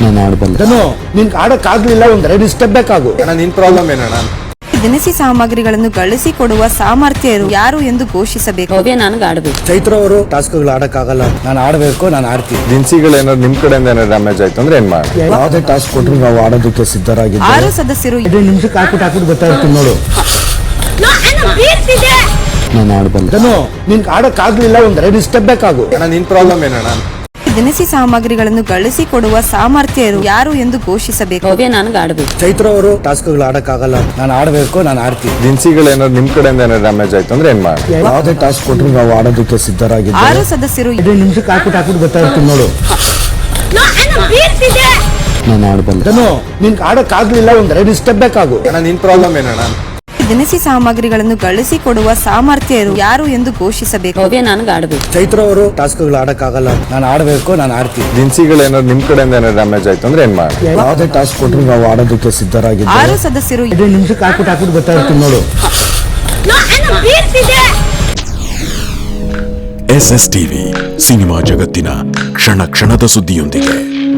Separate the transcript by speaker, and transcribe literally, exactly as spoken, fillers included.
Speaker 1: ನಾನು ಆಡಬಲ್ಲ. ನಿನ್ಗೆ ಆಡಕ್ ಆಗ್ಲಿಲ್ಲ, ಒಂದ್ ಎರಡು ಸ್ಟೆಪ್ ಬೇಕಾಗು.
Speaker 2: ನಿನ್ ಪ್ರಾಬ್ಲಮ್ ಏನಣ್ಣ?
Speaker 3: ದಿನಸಿ ಸಾಮಗ್ರಿಗಳನ್ನು ಗಳಿಸಿಕೊಡುವ ಸಾಮರ್ಥ್ಯ ಯಾರು ಎಂದು ಘೋಷಿಸಬೇಕು.
Speaker 4: ನನಗೆ ಆಡಬೇಕು.
Speaker 1: ಚೈತ್ರ ಅವರು ಟಾಸ್ಕ್ಗಳು ಆಡಕ್ ಆಗಲ್ಲ, ನಾನು ಆಡ್ಬೇಕು, ನಾನು ಆಡ್ತೀನಿ.
Speaker 2: ದಿನಸಿಗಳು ಏನಾದ್ರು ನಿಮ್ ಕಡೆಯಿಂದ ಏನಾದ್ರು ಡ್ಯಾಮೇಜ್ ಆಯ್ತು ಅಂದ್ರೆ ಏನ್ ಮಾಡಿ?
Speaker 1: ಯಾವುದೇ ಟಾಸ್ಕ್ ಕೊಟ್ಟರು ನಾವು ಆಡೋದಕ್ಕೆ ಸಿದ್ಧರಾಗಿದ್ದೀವಿ.
Speaker 3: ಆರು ಸದಸ್ಯರು
Speaker 1: ಎರಡು ನಿಮಿಷಕ್ಕೆ ಹಾಕ್ಬಿಟ್ಟು ಹಾಕ್ಬಿಟ್ಟು ಬರ್ತಾ ಇರ್ತೀನಿ ನೋಡು. ನಾನು ಆಡಬಲ್ಲ. ನಿನ್ಗೆ ಆಡಕ್ ಆಗ್ಲಿಲ್ಲ, ಒಂದ್ ಎರಡು ಸ್ಟೆಪ್ ಬೇಕಾಗು.
Speaker 2: ನಿನ್ ಪ್ರಾಬ್ಲಮ್ ಏನಣ್ಣ?
Speaker 3: ದಿನಸಿ ಸಾಮಗ್ರಿಗಳನ್ನು ಗಳಿಸಿಕೊಡುವ ಸಾಮರ್ಥ್ಯ ಯಾರು ಎಂದು ಘೋಷಿಸಬೇಕು.
Speaker 4: ನನಗೆ ಆಡಬೇಕು.
Speaker 1: ಚೈತ್ರ ಅವರು ಟಾಸ್ಕ್ಗಳು ಆಡಕ್ ಆಗಲ್ಲ, ನಾನು ಆಡ್ಬೇಕು, ನಾನು ಆಡ್ತೀನಿ.
Speaker 2: ದಿನಸಿಗಳು ಏನಾದ್ರು ನಿಮ್ ಕಡೆಯಿಂದ ಏನಾದ್ರು ಡ್ಯಾಮೇಜ್ ಆಯ್ತು ಅಂದ್ರೆ ಏನ್ ಮಾಡಿ?
Speaker 1: ಯಾವುದೇ ಟಾಸ್ಕ್ ಕೊಟ್ಟರು ನಾವು ಆಡೋದಕ್ಕೆ ಸಿದ್ಧರಾಗಿದ್ದೀವಿ.
Speaker 3: ಆರು ಸದಸ್ಯರು
Speaker 1: ಎರಡು ನಿಮಿಷಕ್ಕೆ ಹಾಕ್ಬಿಟ್ಟು ಹಾಕ್ಬಿಟ್ಟು ಬರ್ತಾ ಇರ್ತೀನಿ ನೋಡು. ನಾನು ಆಡಬಲ್ಲ. ನಿನ್ಗೆ ಆಡಕ್ ಆಗ್ಲಿಲ್ಲ, ಒಂದ್ ಎರಡು ಸ್ಟೆಪ್ ಬೇಕಾಗು.
Speaker 2: ನಿನ್ ಪ್ರಾಬ್ಲಮ್ ಏನಣ್ಣ?
Speaker 3: ದಿನಸಿ ಸಾಮಗ್ರಿಗಳನ್ನು ಗಳಿಸಿಕೊಡುವ ಸಾಮರ್ಥ್ಯ ಯಾರು ಎಂದು ಘೋಷಿಸಬೇಕು.
Speaker 4: ನನಗೆ ಆಡಬೇಕು.
Speaker 1: ಚೈತ್ರ ಅವರು ಟಾಸ್ಕ್ಗಳು ಆಡಕ್ ಆಗಲ್ಲ, ನಾನು ಆಡ್ಬೇಕು, ನಾನು ಆಡ್ತೀನಿ.
Speaker 2: ದಿನಸಿಗಳು ಏನಾದ್ರು ನಿಮ್ ಕಡೆಯಿಂದ ಏನಾದ್ರು ಡ್ಯಾಮೇಜ್ ಆಯ್ತು ಅಂದ್ರೆ ಏನ್ ಮಾಡಿ?
Speaker 1: ಯಾವುದೇ ಟಾಸ್ಕ್ ಕೊಟ್ಟರು ನಾವು ಆಡೋದಕ್ಕೆ ಸಿದ್ಧರಾಗಿದ್ದೀವಿ.
Speaker 3: ಆರು ಸದಸ್ಯರು
Speaker 1: ಎರಡು ನಿಮಿಷಕ್ಕೆ ಹಾಕ್ಬಿಟ್ಟು ಹಾಕ್ಬಿಟ್ಟು ಬರ್ತಾ ಇರ್ತೀನಿ ನೋಡು.
Speaker 5: ಎಸ್ ಎಸ್ ಟಿವಿ ಸಿನಿಮಾ ಜಗತ್ತಿನ ಕ್ಷಣ ಕ್ಷಣದ ಸುದ್ದಿಯೊಂದಿಗೆ.